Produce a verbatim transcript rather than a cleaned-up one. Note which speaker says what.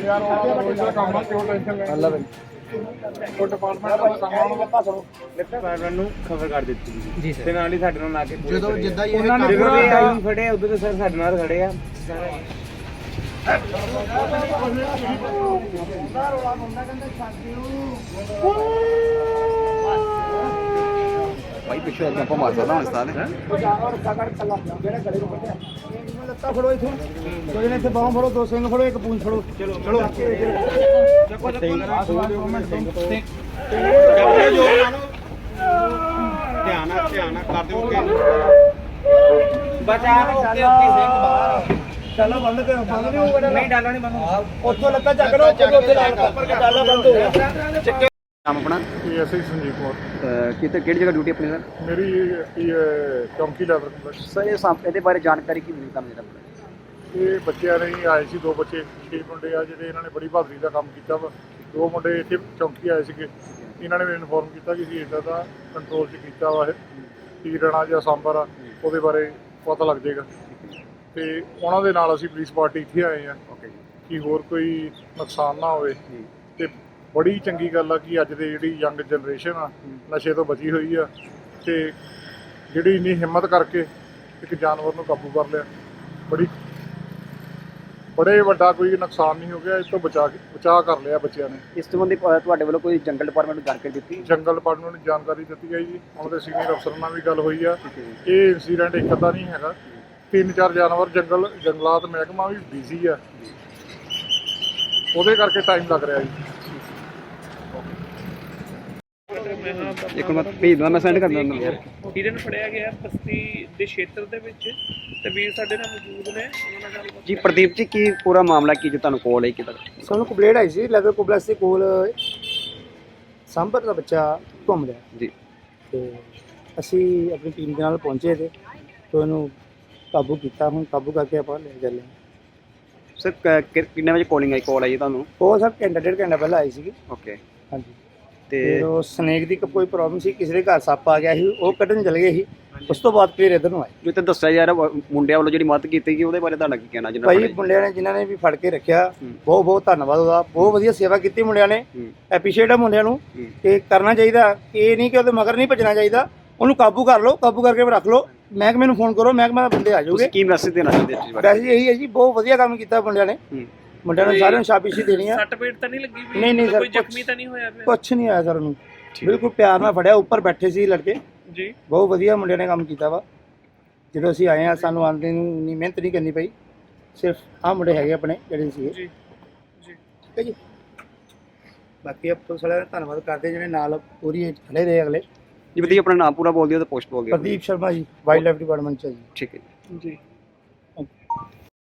Speaker 1: यार रोज का काम है क्यों टेंशन ले अल्लाह भाई ਉਹ ਡਿਪਾਰਟਮੈਂਟ ਦਾ ਕੰਮ ਆਉਣ ਲੱਗਾ ਸਾਨੂੰ ਲਿਫਟ ਨੂੰ ਖਬਰ ਕਰ ਦਿੱਤੀ ਜੀ ਤੇ ਨਾਲ ਹੀ ਸਾਡੇ ਨਾਲ ਲਾ ਕੇ ਜਦੋਂ ਜਿੱਦਾਂ ਇਹ ਉਹਨਾਂ ਨੇ ਆਈ ਖੜੇ ਉਦੋਂ ਤੇ ਸਰ ਸਾਡੇ ਨਾਲ ਖੜੇ ਆ
Speaker 2: ਭਾਈ ਪਿੱਛੇ ਆਪਾਂ ਮਾਰ ਸਕਦਾ ਹੁਣ ਇਸ ਤਰ੍ਹਾਂ ਦੇ
Speaker 1: ਜਾਨਵਰ ਕਾਕੜ ਕੱਲਾ ਜਿਹੜਾ ਗੜੇ ਨੂੰ ਵੱਢਿਆ ਇਹਨੂੰ ਲੱਤਾਂ ਫੜੋ ਇਥੋਂ ਕੋਈ ਨੇ ਇੱਥੇ ਬਾਹਾਂ ਫੜੋ ਦੋ ਸਿੰਘ ਫੜੋ ਇੱਕ ਪੂੰਛ ਫੜੋ ਚਲੋ ਚਲੋ ਚੱਕੋ ਚੱਕੋ ਧਿਆਨ ਨਾਲ ਧਿਆਨ ਨਾਲ ਕਰ ਦਿਓ ਕਿ ਬਚਾ ਓਕੇ ਓਕੇ ਸਿੰਘ ਬਾਹਰ ਚੱਲੋ ਬੰਦ ਕਰੋ ਬੰਦ ਨਹੀਂ ਹੋਊਗਾ ਨਹੀਂ ਡਾਲਾ ਨਹੀਂ ਬੰਦ ਉੱਥੋਂ ਲੱਤਾਂ ਚੱਕ ਲਓ ਉੱਥੇ ਉੱਥੇ ਉੱਪਰ ਡਾਲਾ ਬੰਦ ਹੋ ਗਿਆ
Speaker 2: ਨਾਮ ਆਪਣਾ
Speaker 1: ਐਸਆਈ ਸੰਜੀਵ ਕੁਮਾਰ
Speaker 2: ਕਿਤੇ ਕਿਹੜੀ ਜਗ੍ਹਾ ਡਿਊਟੀ ਆਪਣੀ ਸਰ
Speaker 1: ਮੇਰੀ ਇਹ ਚੌਂਕੀ ਲੈਵਲ
Speaker 2: ਸਰ ਇਹ ਸਾਂ ਇਹਦੇ ਬਾਰੇ ਜਾਣਕਾਰੀ ਕੀ ਮਿਲੀ ਤੁਹਾਨੂੰ ਜਿਹੜਾ
Speaker 1: ਇਹ ਬੱਚਿਆਂ ਨੇ ਆਏ ਸੀ ਦੋ ਬੱਚੇ ਛੇ ਮੁੰਡੇ ਆ ਜਿਹੜੇ ਇਹਨਾਂ ਨੇ ਬੜੀ ਬਹਾਦਰੀ ਦਾ ਕੰਮ ਕੀਤਾ ਵਾ ਦੋ ਮੁੰਡੇ ਇੱਥੇ ਚੌਂਕੀ ਆਏ ਸੀਗੇ ਇਹਨਾਂ ਨੇ ਮੈਨੂੰ ਇਨਫੋਰਮ ਕੀਤਾ ਕਿ ਅਸੀਂ ਇੱਦਾਂ ਦਾ ਕੰਟਰੋਲ 'ਚ ਕੀਤਾ ਵਾ ਇਹ ਤੀਰਣਾ ਜਾਂ ਸਾਂਬਰ ਆ ਉਹਦੇ ਬਾਰੇ ਪਤਾ ਲੱਗ ਜਾਏਗਾ ਤੇ ਉਹਨਾਂ ਦੇ ਨਾਲ ਅਸੀਂ ਪੁਲਿਸ ਪਾਰਟੀ ਇੱਥੇ ਆਏ ਆ
Speaker 2: ਓਕੇ
Speaker 1: ਕਿ ਹੋਰ ਕੋਈ ਨੁਕਸਾਨ ਨਾ ਹੋਵੇ ਤੇ ਬੜੀ ਚੰਗੀ ਗੱਲ ਆ ਕਿ ਅੱਜ ਦੇ ਜਿਹੜੀ ਯੰਗ ਜਨਰੇਸ਼ਨ ਆ ਨਸ਼ੇ ਤੋਂ ਬਚੀ ਹੋਈ ਆ ਤੇ ਜਿਹੜੀ ਇੰਨੀ ਹਿੰਮਤ ਕਰਕੇ ਇੱਕ ਜਾਨਵਰ ਨੂੰ ਕਾਬੂ ਕਰ ਲਿਆ ਬੜੀ ਬੜੇ ਵੱਡਾ ਕੋਈ ਨੁਕਸਾਨ ਨਹੀਂ ਹੋ ਗਿਆ ਇਸ ਤੋਂ ਬਚਾ ਕੇ ਬਚਾ ਕਰ ਲਿਆ ਬੱਚਿਆਂ ਨੇ
Speaker 2: ਇਸ ਸੰਬੰਧੀ ਤੁਹਾਡੇ ਵੱਲੋਂ ਕੋਈ ਜੰਗਲ ਡਿਪਾਰਟਮੈਂਟ ਨੂੰ ਜਾਣਕਾਰੀ ਦਿੱਤੀ
Speaker 1: ਜੰਗਲ ਡਿਪਾਰਟਮੈਂਟ ਨੂੰ ਜਾਣਕਾਰੀ ਦਿੱਤੀ ਗਈ ਜੀ ਉਹਨਾਂ ਦੇ ਸੀਨੀਅਰ ਅਫਸਰਾਂ ਨਾਲ ਵੀ ਗੱਲ ਹੋਈ ਆ ਇਹ ਇਨਸੀਡੈਂਟ ਇੱਕ ਅੱਧਾ ਨਹੀਂ ਹੈਗਾ ਤਿੰਨ ਚਾਰ ਜਾਨਵਰ ਜੰਗਲ ਜੰਗਲਾਤ ਮਹਿਕਮਾ ਵੀ ਬਿਜ਼ੀ ਆ ਉਹਦੇ ਕਰਕੇ ਟਾਈਮ ਲੱਗ ਰਿਹਾ ਜੀ
Speaker 2: ਇੱਕ ਮਿੰਟ ਭੇਜ ਦਵਾਂ ਮੈਂ ਸੈਂਡ ਕਰ ਦਿੰਦਾ ਯਾਰ
Speaker 3: ਹਿਰਨ ਫੜਿਆ ਗਿਆ ਬਸਤੀ ਦੇ ਖੇਤਰ ਦੇ ਵਿੱਚ ਤੇ ਵੀਰ ਸਾਡੇ ਨਾਲ ਮੌਜੂਦ ਨੇ ਉਹਨਾਂ ਨਾਲ ਗੱਲ
Speaker 2: ਜੀ ਪ੍ਰਦੀਪ ਜੀ ਕੀ ਪੂਰਾ ਮਾਮਲਾ ਕੀ ਜੋ ਤੁਹਾਨੂੰ ਕੋਲ ਹੈ ਕਿਦਾਂ
Speaker 1: ਸਾਨੂੰ ਕੰਪਲੇਂਟ ਆਈ ਸੀ ਲੈਦਰ ਕੋਬਲਸ ਦੇ ਕੋਲ ਸਾਂਭਰ ਦਾ ਬੱਚਾ ਘੁੰਮ ਰਿਹਾ
Speaker 2: ਜੀ
Speaker 1: ਤੇ ਅਸੀਂ ਆਪਣੀ ਟੀਮ ਦੇ ਨਾਲ ਪਹੁੰਚੇ ਤੇ ਤੇ ਉਹਨੂੰ ਕਾਬੂ ਕੀਤਾ ਹੁਣ ਕਾਬੂ ਕਰਕੇ ਆਪਾਂ ਲੈ ਚੱਲੇ
Speaker 2: ਸਰ ਕਿੰਨੇ ਵਜੇ ਕਾਲਿੰਗ ਆਈ ਕਾਲ ਆਈ ਤੁਹਾਨੂੰ
Speaker 1: ਉਹ ਸਰ ਘੰਟਾ ਡੇਢ ਘੰਟਾ ਪਹਿਲਾਂ ਆਈ ਸੀਗੀ
Speaker 2: ਓਕੇ
Speaker 1: ਹਾਂਜੀ
Speaker 2: ਤੇ
Speaker 1: ਫਿਰ ਉਹ ਸਨੇਕ ਦੀ ਕੋਈ ਪ੍ਰੋਬਲਮ ਸੀ ਕਿਸੇ ਦੇ ਘਰ ਸੱਪ ਆ ਗਿਆ ਸੀ ਉਹ ਕੱਢਣ ਚਲੇ ਗਏ ਸੀ ਉਸ ਤੋਂ ਬਾਅਦ ਫਿਰ ਇੱਧਰ ਨੂੰ ਆਏ
Speaker 2: ਜੋ ਤੇ ਦੱਸਿਆ ਯਾਰ ਮੁੰਡਿਆਂ ਵੱਲੋਂ ਜਿਹੜੀ ਮਦਦ ਕੀਤੀ ਗਈ ਉਹਦੇ ਬਾਰੇ ਤੁਹਾਡਾ ਕੀ ਕਹਿਣਾ ਜਿਹਨਾਂ
Speaker 1: ਭਾਈ ਮੁੰਡਿਆਂ ਨੇ ਜਿਨ੍ਹਾਂ ਨੇ ਵੀ ਫੜ ਕੇ ਰੱਖਿਆ ਬਹੁਤ ਬਹੁਤ ਧੰਨਵਾਦ ਉਹਦਾ ਬਹੁਤ ਵਧੀਆ ਸੇਵਾ ਕੀਤੀ ਮੁੰਡਿਆਂ ਨੇ ਐਪਰੀਸ਼ੀਏਟ ਆ ਮੁੰਡਿਆਂ ਨੂੰ ਕਿ ਕਰਨਾ ਚਾਹੀਦਾ ਇਹ ਨਹੀਂ ਕਿ ਉਹਦੇ ਮਗਰ ਨਹੀਂ ਭੱਜਣਾ ਚਾਹੀਦਾ ਉਹਨੂੰ ਕਾਬੂ ਕਰ ਲਓ ਕਾਬੂ ਕਰਕੇ ਰੱਖ ਲਓ ਮਹਿਕਮੇ ਨੂੰ ਫੋਨ ਕਰੋ ਮਹਿਕਮੇ ਦੇ ਬੰਦੇ ਆ ਜਾਓਗੇ
Speaker 2: ਕੀ ਮੈਸੇਜ ਦੇਣਾ ਚਾਹੁੰਦੇ ਇਸ ਬਾਰੇ
Speaker 1: ਵੈਸੇ ਇਹੀ ਹੈ ਜੀ ਬਹੁਤ ਵਧੀਆ ਕੰਮ ਕੀਤਾ ਮੁੰਡਿਆਂ ਨੇ ਮੁੰਡਿਆਂ ਨੂੰ ਸਾਰਿਆਂ ਨੂੰ ਸ਼ਾਬਾਸ਼ੀ ਦੇਣੀ ਆ
Speaker 3: ਸੱਟ ਪੇਟ ਤਾਂ ਨਹੀਂ ਲੱਗੀ ਵੀ
Speaker 1: ਨਹੀਂ ਨਹੀਂ ਸਰ
Speaker 3: ਕੋਈ ਜ਼ਖਮੀ ਤਾਂ ਨਹੀਂ ਹੋਇਆ ਪਿਆ
Speaker 1: ਕੁਛ ਨਹੀਂ ਆਇਆ ਸਰ ਉਹਨੂੰ ਬਿਲਕੁਲ ਪਿਆਰ ਨਾਲ ਫੜਿਆ ਉੱਪਰ ਬੈਠੇ ਸੀ ਲੜਕੇ
Speaker 3: ਜੀ
Speaker 1: ਬਹੁਤ ਵਧੀਆ ਮੁੰਡਿਆਂ ਨੇ ਕੰਮ ਕੀਤਾ ਵਾ ਜਦੋਂ ਅਸੀਂ ਆਏ ਆ ਸਾਨੂੰ ਆਉਂਦੇ ਨੂੰ ਇੰਨੀ ਮਿਹਨਤ ਨਹੀਂ ਕਰਨੀ ਪਈ ਸਿਰਫ ਆਹ ਮੁੰਡੇ ਹੈਗੇ ਆਪਣੇ ਜਿਹੜੇ ਸੀਗੇ
Speaker 3: ਜੀ ਜੀ
Speaker 1: ਠੀਕ ਹੈ ਜੀ ਬਾਕੀ ਆਪ ਤੋਂ ਸਾਰਿਆਂ ਦਾ ਧੰਨਵਾਦ ਕਰਦੇ ਜਿਹੜੇ ਨਾਲ ਪੂਰੀ ਖੜੇ ਰਹੇ ਅਗਲੇ
Speaker 2: ਜੀ ਵਧੀਆ ਆਪਣਾ ਨਾਮ ਪੂਰਾ ਬੋਲ ਦਿਓ ਤੇ ਪੋਸਟ ਬੋਲ ਦਿਓ
Speaker 1: ਪ੍ਰਦੀਪ ਸ਼ਰਮਾ ਜੀ ਵਾਈਲਡ ਲਾਈਫ ਡਿਪਾਰਟਮੈਂਟ ਚ ਜੀ
Speaker 2: ਠੀਕ ਹੈ
Speaker 3: ਜੀ